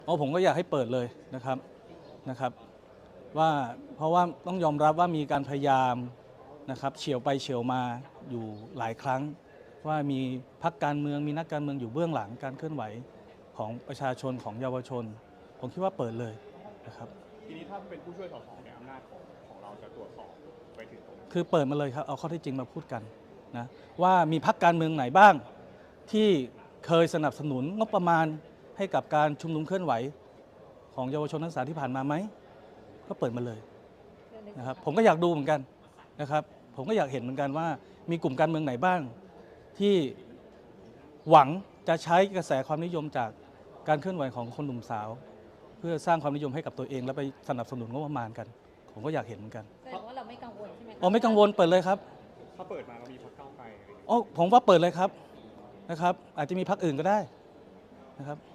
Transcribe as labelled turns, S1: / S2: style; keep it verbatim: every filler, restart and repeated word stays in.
S1: อ๋อผมก็อยากให้เปิดเลยนะครับนะครับว่าเพราะว่าต้องยอมรับว่ามีการพยายามนะครับเฉียวไปเฉียวมาอยู่หลายครั้ง ว่ามีพรรคการเมืองมีนักการเมืองอยู่เบื้องหลังการเคลื่อนไหวของประชาชนของเยาวชน ผมคิดว่าเปิดเลยนะครับ
S2: ทีนี้ถ้าเป็นผู้ช่วยสสเนี่ยอำนาจของของเราจะตรวจสอบไปถึงตรงนั้น
S1: คือเปิดมาเลยครับเอาข้อเท็จจริงมาพูดกันนะว่ามีพรรคการเมืองไหนบ้างที่เคยสนับสนุนงบประมาณให้กับการชุมนุมเคลื่อนไหวของเยาวชนนักศึกษาที่ผ่านมาไหมก็เปิดมาเลยนะครับผมก็อยากดูเหมือนกันนะครับผมก็อยากเห็นเหมือนกันว่ามีกลุ่มการเมืองไหนบ้างที่หวังจะใช้กระแสความนิยมจากการเคลื่อนไหวของคนหนุ่มสาว เพื่อสร้างความนิยมให้กับตัวเองแล้วไปสนับสนุนงบประมาณกันผมก็อยากเห็นเหมือนกัน
S3: แสดงว่าเราไม่กังวลใช่ไหมคะ
S1: อ๋อไม่กังวลเปิดเลยครับ
S2: ถ้าเปิดมาเรามีพรรคก้าวไกลอะไรอย่างเงี้ย
S1: อ๋อผมว่าเปิดเลยครับนะครับอาจจะมีพรรคอื่นก็ได้นะครับ